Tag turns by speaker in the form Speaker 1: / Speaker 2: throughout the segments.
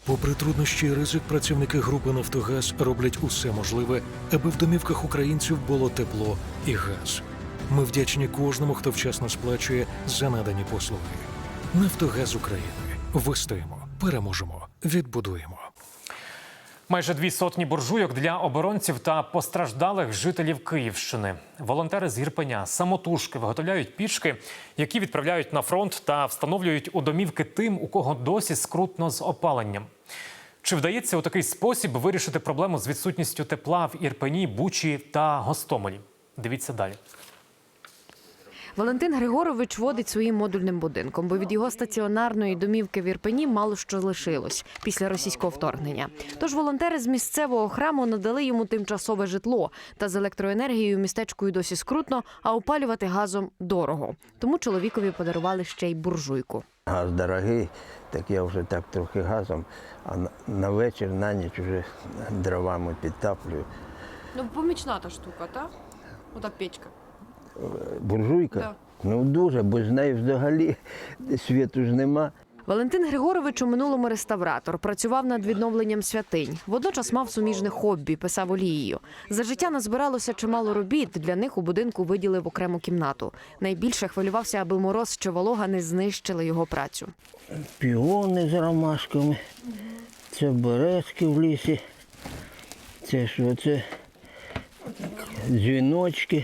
Speaker 1: Попри труднощі і ризик, працівники групи «Нафтогаз» роблять усе можливе, аби в домівках українців було тепло і газ. Ми вдячні кожному, хто вчасно сплачує за надані послуги. «Нафтогаз України». Вистоїмо, переможемо, відбудуємо.
Speaker 2: Майже 200 буржуйок для оборонців та постраждалих жителів Київщини. Волонтери з Ірпеня самотужки виготовляють пічки, які відправляють на фронт та встановлюють у домівки тим, у кого досі скрутно з опаленням. Чи вдається у такий спосіб вирішити проблему з відсутністю тепла в Ірпені, Бучі та Гостомелі? Дивіться далі.
Speaker 3: Валентин Григорович водить своїм модульним будинком, бо від його стаціонарної домівки в Ірпені мало що лишилось після російського вторгнення. Тож волонтери з місцевого храму надали йому тимчасове житло. Та з електроенергією містечкою досі скрутно, а опалювати газом дорого. Тому чоловікові подарували ще й буржуйку.
Speaker 4: Газ дорогий, так я вже так трохи газом, а на вечір, на ніч вже дровами підтаплюю.
Speaker 5: Ну, помічна та штука, так? Ота печка.
Speaker 4: Буржуйка?
Speaker 5: Да.
Speaker 4: Ну дуже, бо з неї взагалі світу ж нема.
Speaker 3: Валентин Григорович у минулому реставратор, працював над відновленням святинь. Водночас мав суміжне хобі – писав олією. За життя назбиралося чимало робіт, для них у будинку виділив окрему кімнату. Найбільше хвилювався, аби мороз чи волога не знищили його працю.
Speaker 4: Піони з ромашками, це березки в лісі, це що, це дзвіночки.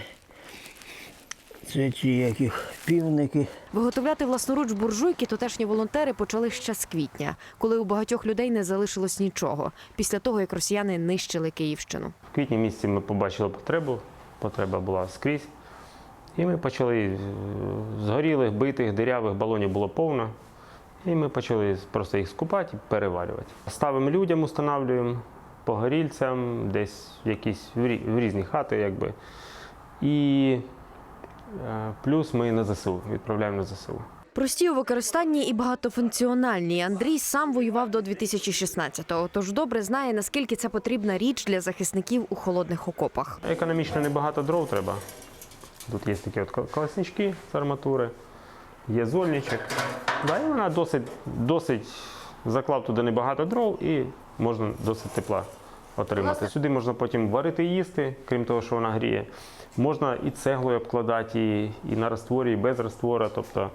Speaker 4: Це ті яких півники.
Speaker 3: Виготовляти власноруч буржуйки тутешні волонтери почали ще з квітня, коли у багатьох людей не залишилось нічого, після того, як росіяни нищили Київщину.
Speaker 6: В квітні місяці ми побачили потребу, потреба була скрізь. І ми почали згорілих, битих, дирявих балонів було повно. І ми почали просто їх скупати і переварювати. Ставимо людям, встановлюємо, погорільцям, десь якісь в різні хати, якби. І плюс ми на ЗСУ, відправляємо на ЗСУ.
Speaker 3: Прості у використанні і багатофункціональні. Андрій сам воював до 2016-го, тож добре знає, наскільки це потрібна річ для захисників у холодних окопах.
Speaker 6: Економічно небагато дров треба. Тут є такі от колеснички з арматури, є зольничок. Да, і вона досить заклав туди небагато дров і можна досить тепла отримати. Сюди можна потім варити і їсти, крім того, що вона гріє. Можна і цеглою обкладати, і на растворі, і без раствора. Тобто,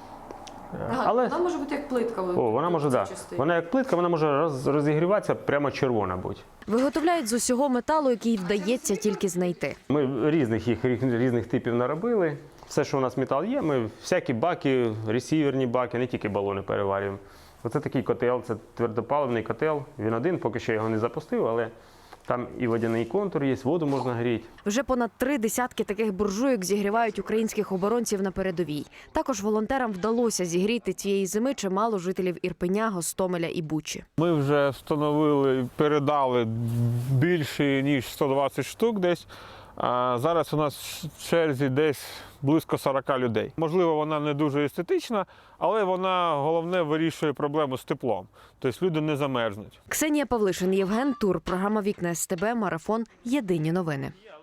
Speaker 5: Але вона може бути як плитка.
Speaker 6: Вона може, да. Вона як плитка, вона може розігріватися прямо червона будь.
Speaker 3: Виготовляють з усього металу, який вдається тільки знайти.
Speaker 6: Ми різних типів наробили. Все, що у нас метал є, ми всякі баки, ресіверні баки, не тільки балони переварюємо. Оце такий котел, це твердопаливний котел. Він один, поки що його не запустив, але там і водяний контур є, воду можна гріти.
Speaker 3: Вже понад 3 десятки таких буржуйок зігрівають українських оборонців на передовій. Також волонтерам вдалося зігріти цієї зими чимало жителів Ірпеня, Гостомеля і Бучі.
Speaker 7: Ми вже встановили, передали більше, ніж 120 штук десь. А зараз у нас в черзі десь близько 40 людей. Можливо, вона не дуже естетична, але вона, головне, вирішує проблему з теплом. Тобто люди не замерзнуть.
Speaker 3: Ксенія Павлишин, Євген Тур. Програма «Вікна СТБ», Марафон. Єдині новини.